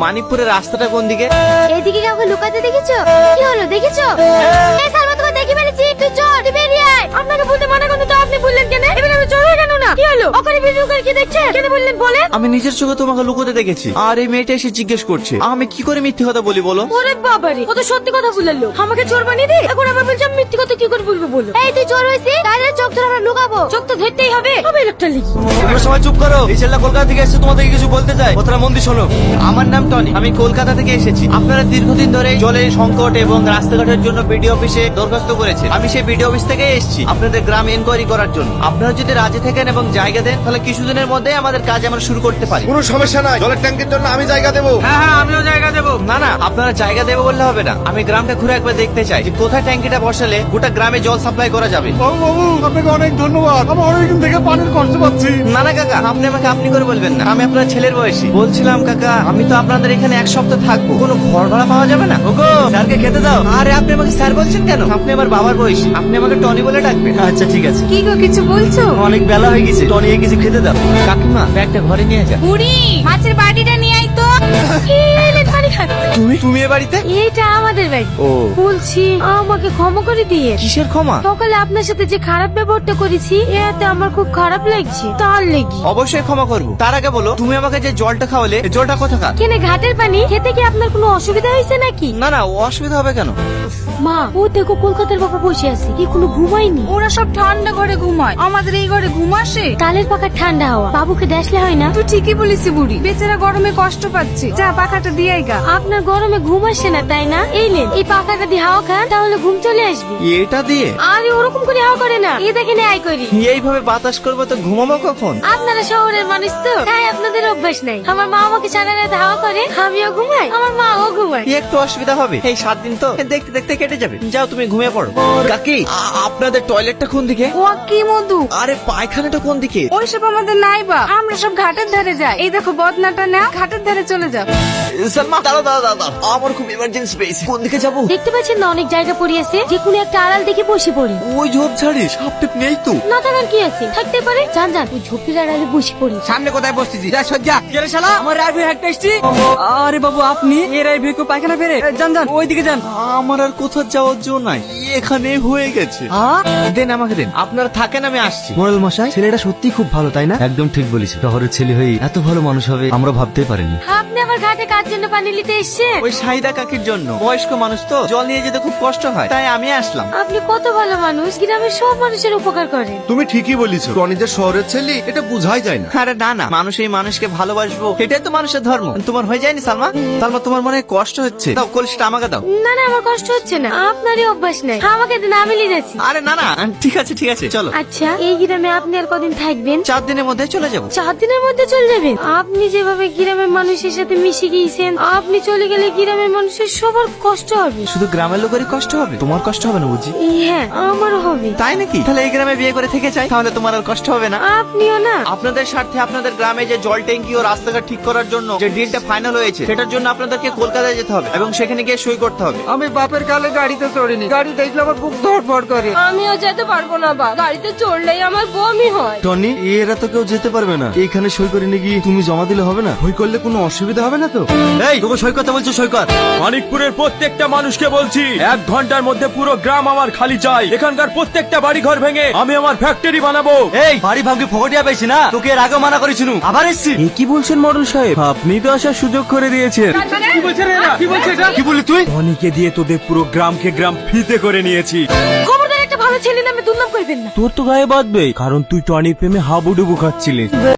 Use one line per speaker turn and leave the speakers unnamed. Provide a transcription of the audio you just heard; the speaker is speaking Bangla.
মানিকপুরের রাস্তাটা কোন দিকে?
এইদিকে কাউকে লুকাতে দেখেছো? কি হলো দেখেছো? এই সালমা তোমাকে দেখি ফেলেছি, তুই চল, তুই বেরিয়ে আয়। আপনাকে বলতে মানা করতে তো আপনি বললেন কেন? এবার আমি চলে কেন না? কি হলো? ওখানে ভিডিও করে কি দেখছেন? কেন বললেন বলেন?
আমি নিজের চোখে তোমাকে লুকোতে দেখেছি, আর এই মেয়েটা এসে জিজ্ঞেস করছে আমি কি করে মিথ্যে কথা বলি বলো?
ওরে বাবারে, ও তো সত্যি কথা বললো। আমাকে চোর বানিয়ে দি, এখন আবার বলছি আমি মিথ্যে কথা কি করে বলবো বলো? এই তুই চোর হইছিস, তাহলে চোখ ধরে আমরা লুকাবো। চোখ তো ধরতেই হবে, হবে একটা লিখি।
তোমরা সবাই চুপ করো। এই ছেলেটা কলকাতা থেকে এসেছে, তোমাদেরকে কিছু বলতে চাই, কথাটা মন দিয়ে শোনো। আমার নাম টনি, আমি কলকাতা থেকে এসেছি। আপনারা দীর্ঘদিন ধরে জলের সংকট এবং রাস্তাঘাটের জন্য বিডিও অফিসে দরখাস্ত করেছেন। আমি সেই বিডিও অফিস থেকে এসেছি আপনাদের গ্রাম এনকোয়ারি করার জন্য। আপনারা যদি রাজি থাকেন এবং জায়গা দেন, তাহলে কিছুদিনের মধ্যে আমাদের কাজ আমরা শুরু করতে পারি।
কোনো সমস্যা নাই, জলের ট্যাঙ্কের জন্য আমি জায়গা দেবো।
হ্যাঁ, আমিও জায়গা দেবো। না না, আপনারা জায়গা দেবো বললে হবে না, আমি গ্রামটা ঘুরে একবার দেখতে চাই যে কোথায় ট্যাঙ্কিটা বসালে গোটা গ্রামে জল সাপ্লাই করা যাবে।
বাবু আপনাকে অনেক ধন্যবাদ, আমি অনেকদিন থেকে পানির কষ্ট পাচ্ছি।
না না কাকা, আপনি আমাকে আপনি করে বলবেন না, আমি আপনার ছেলের বয়সী। বলছিলাম কাকা, আমি তো আপনাদের এখানে এক সপ্তাহ থাকবো, কোনো ঘর ভাড়া পাওয়া যাবে না? ওগো, স্যারকে খেতে দাও। আরে আপনি আমাকে স্যার বলছেন কেন? আপনি আমার বাবার বয়সী, আপনি আমাকে টনি বলে ডাকবেন। আচ্ছা ঠিক আছে।
কি গো কিছু বলছো?
অনেক বেলা হয়ে গেছে, টনি কিছু খেতে দাও। কাকিমা, ব্যাগটা ঘরে নিয়ে যা।
বুড়ি, মাছের বাটিটা নিয়ে আই তো। পানি খান।
তুমি এ বাড়িতে?
এইটা আমাদের বাড়ি।
ও,
বলছি আমাকে ক্ষমা করে দিয়ে।
কিসের ক্ষমা?
সকালে আপনার সাথে যে খারাপ ব্যবহারটা করেছি, এতে আমার খুব খারাপ লাগছে, তার লেগে।
অবশ্যই ক্ষমা করবো। তার আগে বলো, তুমি আমাকে যে জলটা খাওয়ালে, এই জলটা কোথাকার?
কেনে ঘাটের পানি? খেতে কি আপনার কোনো অসুবিধা হয়েছে নাকি?
না না, ও অসুবিধা হবে কেন?
মা, ও দেখো কলকাতার বাবা বসে আছে, কি কোনো ঘুমায়নি?
ওরা সব ঠান্ডা ঘরে ঘুমায়, আমাদের এই ঘরে ঘুম আসে?
তালের পাখার ঠান্ডা হাওয়া বাবুকে দেখলে হয় না?
তুই ঠিকই বলিস বুড়ি, বেচারা গরমে কষ্ট পাচ্ছে, যা পাখাটা দিয়ে গা।
আপনার গরমে ঘুম আসে না তাই না? এই নেন, এই পাখাটা দিয়ে হাওয়া খান, তাহলে ঘুম চলে আসবে।
এটা দিয়ে?
আরে ওরকম করে হাওয়া করে না, এই দেখেন আই করি।
এইভাবে বাতাস করবো তো ঘুমাবো কখন?
আপনারা শহরের মানুষ তো, তাই আপনাদের অভ্যাস নাই। আমার মা আমাকে সারা রাত হাওয়া করে, আমিও ঘুমাই, আমার মাও ঘুমায়।
কি একটু অসুবিধা হবে? এই 7 দিন তো দেখতে দেখতে কেটে যাবে। যাও তুমি ঘুমিয়ে পড়ো। কাকি, আপনাদের টয়লেটটা কোন দিকে?
ও কি মধু,
আরে পায়খানাটা কোন দিকে?
ওইসব আমাদের নাই বা, আমরা সব ঘাটের ধারে যাই। এই দেখো বদনাটা না, ঘাটের ধারে চলে যাও।
সালমা, দাঁড়াও দাঁড়াও দাঁড়াও, আমার খুব ইমার্জেন্সি পেয়েছে। কোন দিকে যাবো?
দেখতে পাচ্ছেন না অনেক জায়গা পড়িয়েছে, যে কোনো একটা আড়াল দেখে বসে পড়ি।
ওই ঝোপ ঝাড়ি সাপ টেপ নেই তো?
না থাকার কি আছে, থাকতে পারে। যান যান, ওই ঝোপের আড়ালে বসে পড়ি।
সামনে কোথায় বসতেছি? যা সজ্জা গেলে শালা আমার রাইভে হাঁটতে এসছি। আরে বাবু, আপনি এই রাইভে কো পায়খানা ফেরে? যান যান ওইদিকে যান।
আমার আর কোথাও যাওয়ার জন্য নাই, এখানে হয়ে গেছে। দেন আমাকে দেন, আপনারা থাকেন, আমি আসছি।
মোরাল মশাই, ছেলেটা সত্যি খুব ভালো তাই না? একদম ঠিক বলিস, শহরের ছেলে হয়ে এত ভালো মানুষ হবে আমরা ভাবতেই পারিনি।
আপনি আমার ঘাটে কার জন্য পানি নিতে এসছেন?
ওই সাহিদা কাকির জন্য। বয়স্ক মানুষ তো, জল নিয়ে যেতে খুব কষ্ট হয়, তাই আমি আসলাম।
আপনি কত ভালো মানুষ, গ্রামের সব মানুষের উপকার করেন।
তুমি ঠিকই বলিস, টনি যে শহরের ছেলে এটা বুঝাই যায় না।
আরে না না, মানুষ এই মানুষকে ভালোবাসবো, এটাই তো মানুষের ধর্ম। তোমার হয়ে যায়নি সালমা? সালমা, তোমার মনে হয় কষ্ট হচ্ছে, দাও কলসিটা আমাকে দাও।
না না, আমার কষ্ট হচ্ছে না, আপনারই অভ্যাস নাই, আমাকে দিন, আমি নিয়ে যাচ্ছি।
আরে না না, ঠিক আছে ঠিক আছে, চলো।
আচ্ছা, এই গ্রামে আপনি আর কদিন থাকবেন?
4 দিনের মধ্যে চলে যাবো।
4 দিনের মধ্যে চলে যাবেন? আপনি যেভাবে গ্রামের মানুষের সাথে মিশে গিয়েছেন, আপনি চলে গেলে গ্রামের মানুষের সবার কষ্ট হবে।
শুধু গ্রামের লোকেরই কষ্ট হবে, তোমার কষ্ট হবে না বুঝি?
হ্যাঁ, আমারও হবে।
তাই নাকি? তাহলে এই গ্রামে বিয়ে করে থেকে চাই, তাহলে তোমার আর কষ্ট হবে না।
আপনিও না?
আপনাদের স্বার্থে আপনাদের গ্রামে যে জল ট্যাঙ্কি ও রাস্তাঘাট ঠিক করার জন্য যে ডিলটা ফাইনাল হয়েছে, সেটার জন্য আপনাদেরকে কলকাতায় যেতে হবে এবং সেখানে গিয়ে সই করতে হবে।
আমি বাপের কালে গাড়িতে চড়িনি, গাড়ি দেখলে আমার বুক ধড়ফড় করে।
আমিও যেতে পারবো না বা, গাড়িতে চড়লেই আমার বমি হয়।
টনি, এরা তো কেউ যেতে পারবে না, এখানে সই করে নিয়ে গিয়ে তুমি জমা দিলে হবে না?
ভয় করলে কোনো অসুবিধা হবে না তো?
এই তোকে সই করতে বলছো, সই কর।
মানিকপুরের প্রত্যেকটা মানুষকে বলছি, 1 ঘন্টার মধ্যে পুরো গ্রাম আমার খালি চাই। এখানকার প্রত্যেকটা বাড়ি ঘর ভেঙে আমি আমার ফ্যাক্টরি বানাবো।
এই বাড়ি ভাঙি ফকটিয়া পেয়েছি না, তোকে এর আগে মানা করেছিল, আবার এসছি।
কি বলছেন মডেল সাহেব? আপনি তো আসার সুযোগ করে দিয়েছেন।
কি বলছে রে এরা? কি বলছে এটা?
কি বলি তুই?
টনিকে দিয়ে তোদের পুরো গ্রামকে গ্রাম ফিতে করে নিয়েছি।
খবরদার একটা ভালো ছেলে নামে দুর্নাম করবেন না।
তোর তো গায়ে বাঁধবে, কারণ তুই টনির প্রেমে হাবুডুবু খাচ্ছিলিস।